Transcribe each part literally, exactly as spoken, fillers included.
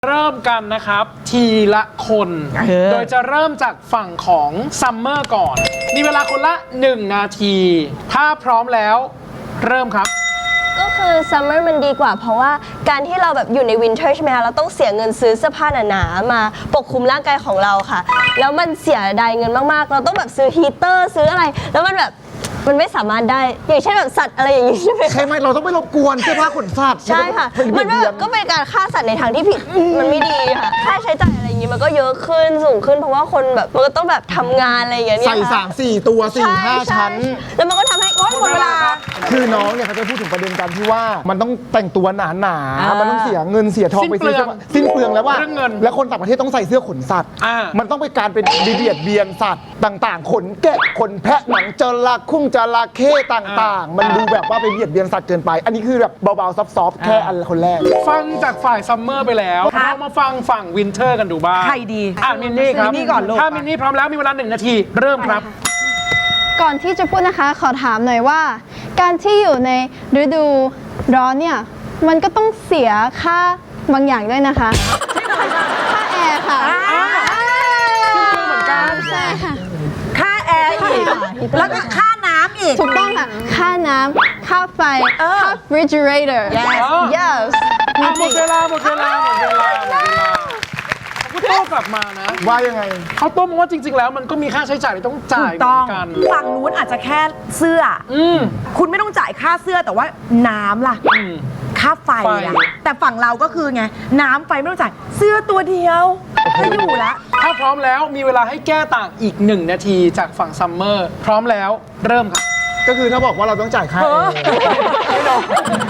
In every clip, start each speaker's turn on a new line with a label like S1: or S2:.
S1: เริ่มกันนะครับทีละคน โดยจะเริ่มจากฝั่งของซัมเมอร์ก่อนมีเวลาคนละหนึ่งนาทีถ้าพร้อมแล้วเริ่มครับ
S2: ก็คือซัมเมอร์มันดีกว่าเพราะว่าการที่เราแบบอยู่ในวินเทอร์ใช่ไหมคะเราต้องเสียเงินซื้อเสื้อผ้าหนาๆมาปกคลุมร่างกายของเราค่ะแล้วมันเสียดายเงินมากๆเราต้องแบบซื้อฮีเตอร์ซื้ออะไรแล้วมันแบบมันไม่สามารถได้อย่างเช่นแบบสัตว์อะไรอย่างนี้ใช่ไหม
S3: ใช่ไหมเราต้องไม่รบกวนเสื้อผ้าขนสัตว์
S2: ใช่ค่ะมันแบบก็เป็นการฆ่าสัตว์ในทางที่ผิดมันไม่ดีค่ะค่าใช้จ่ายอะไรอย่างนี้มันก็เยอะขึ้นสูงขึ้นเพราะว่าคนแบบมันก็ต้องแบบทำงานอะไรอย่างเงี้ย
S3: ใส่สามสี่ตัวสี่ห้าชั้น
S2: แล้วมันก็ทำให้หมดเวลา
S3: คือน้องเนี่ยเขาจะพูดถึงประเด็นการที่ว่ามันต้องแต่งตัวหนาหนามันต้องเสียเงินเสียทองไปซื้อสิ้นเปลืองแล้วว่าแล้วคนต่างประเทศต้องใส่เสื้อขนสัตว์มันต้องไปการเป็นดีเบียดเบียนสัตว์ต่างๆขนแกะขนแพะหนังจระเข้จระเข้ต่างๆมันดูแบบว่าไปเบียดเบียนสัตว์เกินไปอันนี้คือแบบเบาๆซอฟๆแค่อันคนแรก
S1: ฟังจากฝ่ายซัมเมอร์ไปแล้วเรามาฟังฝั่งวินเทอร์กันดูบ้าง
S4: ใครดี
S1: อ่ะมินนี่ครับ
S4: มินนี่ก่อนลูก
S1: ถ้ามินนี่พร้อมแล้วมีเวลาหนึ่งนาทีเริ่มครับ
S5: ก่อนที่จะพูดนะคะขอถามหน่อยว่าการที่อยู่ในฤดูร้อนเนี่ยมันก็ต้องเสียค่าบางอย่างด้วยนะคะค่าแอร์ค่ะ
S1: เหมือนกัน
S5: ใช่ค่ะ
S4: ค่าแอร์อีกแล้วก็ค่าน้ำอีก
S5: ถูกต้องค่ะค่าน้ำค่าไฟค่า refrigerator yes
S1: หมดเวลาหมดเวลาหมดเวลาหมดเวลาเขาโต้กลับมานะ
S3: ว่ายังไง
S1: เขาโต้มาว่าจริงๆแล้วมันก็มีค่าใช้จ่ายที่ต้องจ่ายเหมือนกัน
S4: ฝั่งนู้นอาจจะแค่เสื้ออืคุณไม่ต้องจ่ายค่าเสื้อแต่ว่าน้ำล่ะค่าไฟอะแต่ฝั่งเราก็คือไงน้ำไฟไม่ต้องจ่ายเสื้อตัวเดียวไม่อยู่แล้ว
S1: ถ้าพร้อมแล้วมีเวลาให้แก้ต่างอีกหนึ่งนาทีจากฝั่งซัมเมอร์พร้อมแล้วเริ่มครับ
S3: ก็คือถ้าบอกว่าเราต้องจ่ายค่า
S1: ไม่ลง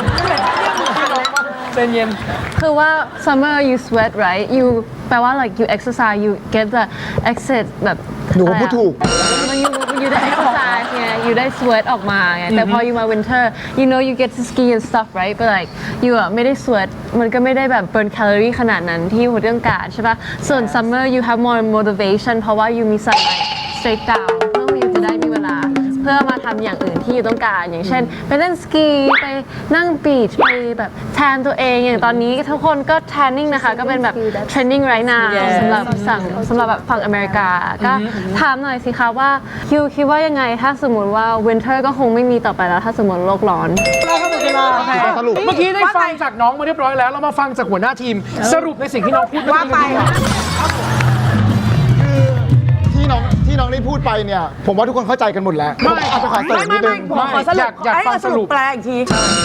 S1: เป็นเย็น
S5: คือว่า summer you sweat right you แปลว่า like you exercise you get the exit แบบ
S3: หนูพูดถูก
S5: มัน you you ได้ exercise ไง you ได้ sweat ออกมาไงแต่พอ you มา winter you know you get to ski and stuff right but like you อ่ะไม่ได้ sweat มันก็ไม่ได้แบบ burn calorie ขนาดนั้นที่เรื่องการใช่ป่ะส่วน summer you have more motivation เพราะว่า you มี sunlight straight down เพื่อ you จะได้มีเวลาเพื่อมาทำอย่างอื่นที่อยู่ต้องการอย่างเช่นไปเล่นสกีไปนั่งบีชไปแบบแทนตัวเองอย่างตอนนี้ทุกคนก็แทนนิ่งนะคะก็เป็นแบบ trending right now สำหรับสั่งสำหรับแบบฝั่งอเมริกาก็ถามหน่อยสิคะว่าคิวคิดว่ายังไงถ้าสมมติว่า winter ก็คงไม่มีต่อไปแล้วถ้าสมมติโลกร้อน
S1: สรุปเมื่อกี้ได้ฟังจากน้องมาเรียบร้อยแล้วเรามาฟังจากหัวหน้าทีมสรุปในสิ่งที่น้องพูด
S4: ว่าไป
S3: ที่น้องที่น้องได้พูดไปเนี่ยผมว่าทุกคนเข้าใจกันหมดแล้ว
S1: ไม่
S3: อาจจะขอเสริมนิดนึง
S1: อยากอยากฟังสรุป
S4: แปลอีกที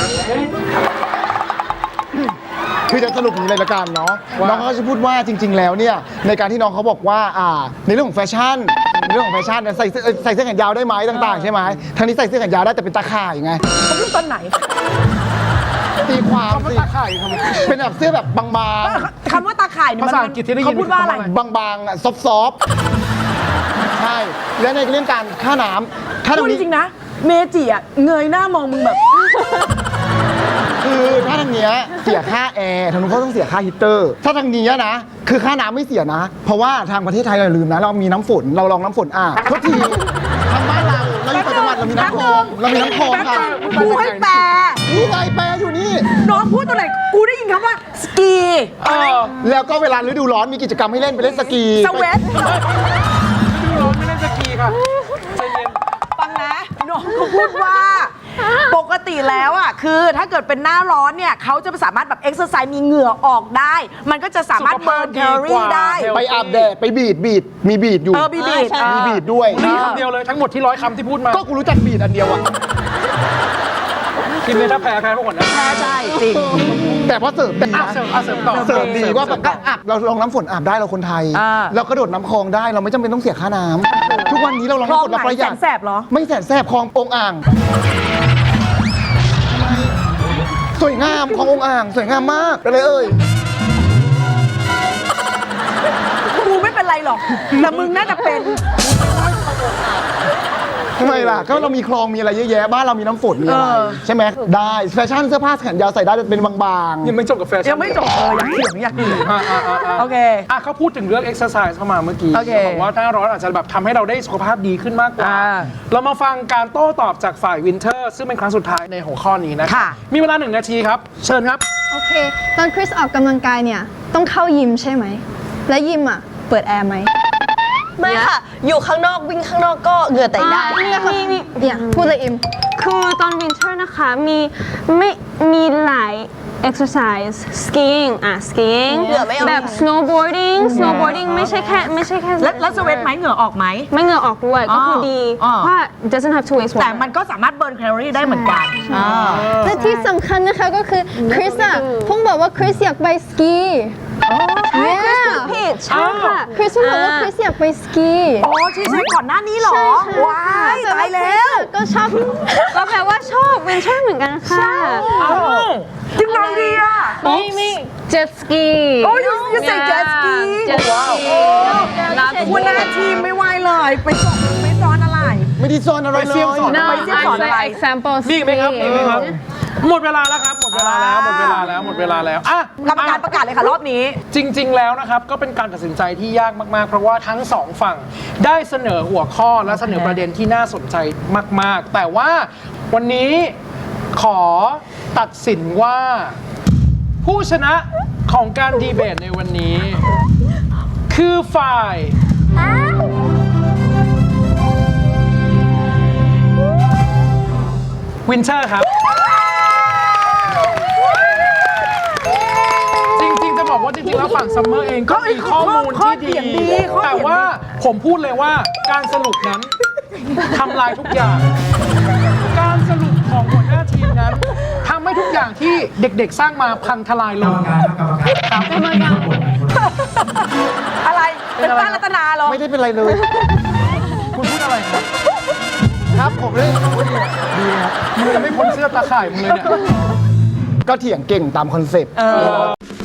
S3: คือจะสรุปอย่างนี้เลยละกันเนาะน้องเขาจะพูดว่าจริงๆแล้วเนี่ยในการที่น้องเขาบอกว่าอ่าในเรื่องของแฟชั่นในเรื่องของแฟชั่นใส่ใส่เสื้อแขนยาวได้ไหมต่างๆใช่ไหมทางนี้ใส่เสื้อแขนยาวได้แต่เป็นตาข่ายไง
S4: เขาพูดตอนไหน
S3: ตีความสิ
S1: ตาข่าย
S3: เป็นแบบเสื้อแบบบาง
S4: ๆคำว่าตาข่ายเนี่ย
S1: ภาษาอังกฤษที่ได้ยิน
S4: เขาพูดว่าอะไร
S3: บางๆซอฟต์ใช่และในเรื่องการค่าน้ำค่าน้ำ
S4: พูดจริงๆนะเมจิอ่ะเงยหน้ามองมึงแบบ
S3: คือถ้าทางเนี้ยเสียค่าแอร์ทางนู้นเขาต้องเสียค่าฮีเตอร์ถ้าทางนี้นะคือค่าน้ำไม่เสียนะเพราะว่าทางประเทศไทยเราลืมนะเรามีน้ำฝนเราลองน้ำฝนอ่ะทุกทีทางบ้านเราเราอยู่ต่างจังหวัดเรามีน้ำคลองเรามีน้ำคลองค่ะ
S4: กูให้แปล
S3: นี่ไงแปลอยู่นี่
S4: น้องพูดตัวไหนกูได้ยินคำว่าสกี
S3: แล้วก็เวลาฤดูร้อนมีกิจกรรมให้เล่นไปเล่นสกี
S4: สเวต
S1: ฤดูร้อนไม่เล่นสกีค่ะใจเย็น
S4: ฟังนะน้องเขาพูดว่าปกติแล้วอ่ะคือถ้าเกิดเป็นหน้าร้อนเนี่ยเขาจะสามารถแบบเอ็กซ์ไซส์มีเหงื่อออกได้มันก็จะสามารถเบิร์นแคลอรี่ได้
S3: ไปอาบแดดไปบีดบีดมีบีดอยู่
S4: เออมีบีด
S3: มีบีดด้วย
S1: นี่คำเดียวเลยทั้งหมดที่ร้อยคำที่พูดมา
S3: ก็กูรู้จักบีดอันเดียวอ่ะ
S1: กินเลยถ้าแพ้แพ้พวกคนนั้น
S4: แพ้ใช่จริง
S3: แต่พอเสริมดีนะ
S1: เสริมเสริมต่อ
S3: เสริมดีว่าแบบอาบเราลองน้ำฝนอาบได้เราคนไทยเรากระโดดน้ำคลองได้เราไม่จำเป็นต้องเสียค่าน้ำทุกวันนี้เราลองน้ำฝนเราประหยัด
S4: แสบเหรอ
S3: ไม่แสบแสบคลององอ่างสวยงามขององอ่างสวยงามมากเลยเอ่ย
S4: กูไม่เป็นไรหรอกแต่มึงน่าจะเป็น
S3: ทำไมล่ะก็เรามีคลองมีอะไรเยอะแยะบ้านเรามีน้ำฝนมีอะไรใช่ไหมได้แฟชั่นเสื้อผ้าแขนยาวใส่ได้เป็นบาง
S1: ๆยังไม่จบกับแฟชั่น
S4: ยังไม่จบเอออยากเถียงอยากเถียงโอเค
S1: อ่ะเขาพูดถึงเรื่องเอ็กซ์ไซส์เข้ามาเมื่อกี้บอกว่าหน้าร้อนอาจจะแบบทำให้เราได้สุขภาพดีขึ้นมากกว่าเรามาฟังการโต้ตอบจากฝ่ายวินเทอร์ซึ่งเป็นครั้งสุดท้ายในหัวข้อนี้นะมีเวลาหนึ่งนาทีครับเชิญครับ
S5: โอเคตอนคริสออกกำลังกายเนี่ย
S6: ต้องเข้ายิมใช่ไหม และยิมอ่ะ เปิดแอร์ไหม
S2: ไม่ค่ะ อยู่ข้างนอกวิ่งข้างนอกก็เหงื่อแตกได้
S6: มีมีเนี่ยพูดเลยอิม
S5: คือตอนวินเทอร์นะคะมีไม่มีหลาย exercise skiing อ่ะ skiing
S2: เหงื่อไม่ออก
S5: แบบ snowboarding snowboarding ไม่ใช่แค่ไม่ใช่แค่
S4: แล้วแล้วสเวตไหมเหงื่อออกไหม
S5: ไม่เหงื่อออกด้วยก็คือดี
S4: อ๋อ
S5: เพราะว่า doesn't have to waste water
S4: แต่มันก็สามารถเบิร์นแคลอรี่ได้เหมือนกันอ่า
S6: และที่สำคัญนะคะก็คือคริสอะเพิ่งบอกว่าคริสอยากไปสกี Yeah
S2: ผิด
S5: ใช่ค่ะ
S6: คริสเพิ่งบอกว่าคริสอยากไปสกี
S4: โอ้ใช่ใช่ก่อนหน้านี้เหรอ ว้ายตายแล้ว
S6: ก็ชอบ
S5: ก็แปลว่าชอบวินเทอร์เหมือนกันค่ะ
S4: จริงไงดีอ่ะ
S5: ไม่ไม่เจ็ตสกี
S4: โอ้ย you- you say jet ski
S5: เจ็ตสกีรับ
S4: คุณหน้าทีมไม่ไหวเลย ไปสอนไม่สอนอะไร
S3: ไม่ได้ซ่อนอะไร
S1: ไป
S3: เล
S1: เสี่ยง
S3: ย
S1: สอน
S5: No
S4: ไปเสี่ยงสอน
S5: I
S4: อะไร
S5: say example
S1: มีอีกไหมครับมีอีกไหมครับ หมดเวลาแล้วครับ หมดเวลาแล้ว หมดเวลาแล้ว หมดเวลาแล้วอ่ะ
S4: กรรมการประกาศเลยค่ะรอบนี้
S1: จริง ๆ แล้วนะครับ ก็เป็นการตัดสินใจที่ยากมาก ๆ เพราะว่าทั้งสองฝั่งได้เสนอหัวข้อและเสนอประเด็นที่น่าสนใจมาก ๆ แต่ว่าวันนี้ขอตัดสินว่า ผู้ชนะของการดีเบตในวันนี้ คือฝ่ายวินเทอร์ครับ จริง ๆ จะบอกว่าจริง ๆ แล้วฝั่งซัมเมอร์เองก็มีข้อมูล
S4: ข้อ
S1: ที่
S4: เถี
S1: ดี
S4: ยงดีข้อเถียงดี
S1: แต่ว่าผมพูดเลยว่าการสรุปนั้นทำลายทุกอย่าง การสรุปของหัวหน้าทีมนั้นทำให้ทุกอย่างที่เด็ก ๆ สร้างมาพังทลายลงครับ
S4: อะไร เป็นป้ารัตนาเหรอ
S3: ไม่ได้เป็นไรเลย
S1: คุณพูดอะไรครับ
S3: ครับผมเลยดีครับ
S1: มึงจะไม่พ้นเสื้อตาข่ายมึงเลยเนี่ย
S3: ก็เถียงเก่งตามคอนเซ็ปต์
S4: เออ